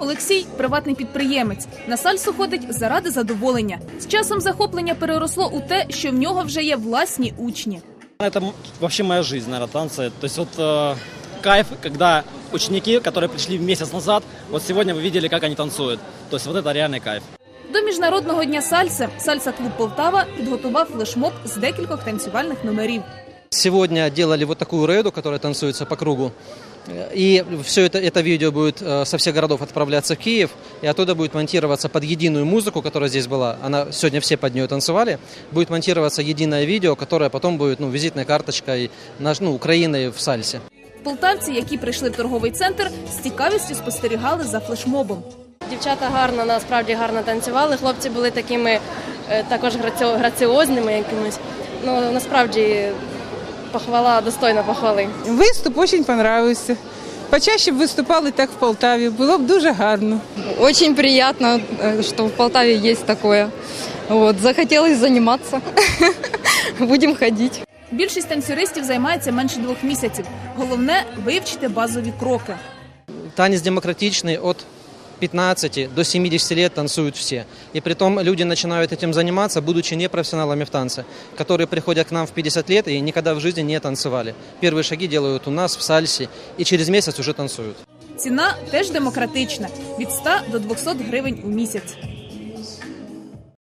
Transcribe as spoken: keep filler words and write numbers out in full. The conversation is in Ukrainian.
Олексій – приватний підприємець. На сальсу ходить заради задоволення. З часом захоплення переросло у те, що в нього вже є власні учні. Это вообще моя жизнь, наверное, танцы. То есть вот э, кайф, когда ученики, которые пришли месяц назад, вот сегодня вы видели, как они танцуют. То есть вот это реальный кайф. До Міжнародного дня сальси «Сальса-клуб Полтава» підготував флешмоб з декількох танцювальних номерів. Сегодня делали вот такую рейду, которая танцуется по кругу. И все это, это видео будет со всех городов отправляться в Киев, и оттуда будет монтироваться под единую музыку, которая здесь была. Она, сегодня все под нее танцевали. Будет монтироваться единое видео, которое потом будет ну, визитной карточкой наш, ну, Украины в сальсе. Полтавці, які прийшли в торговий центр, з цікавістю спостерігали за флешмобом. Дівчата гарно, насправді гарно танцювали. Хлопці були такими також граціозними якимось. Ну, насправді похвала, достойна похвали. Виступ дуже подобався. Почаще б виступали так в Полтаві, було б дуже гарно. Очень приятно, что в Полтаве есть такое. Вот, захотелось заниматься. Будем ходить. Більшість танцюристів займається менше двох місяців. Головне – вивчити базові кроки. Танец демократичный, от пятнадцати до семидесяти лет танцуют все. И притом люди начинают этим заниматься, будучи непрофессионалами в танце, которые приходят к нам в пятьдесят лет и никогда в жизни не танцевали. Первые шаги делают у нас в сальсе и через месяц уже танцуют. Ціна теж демократична – від ста до двохсот гривень у місяць.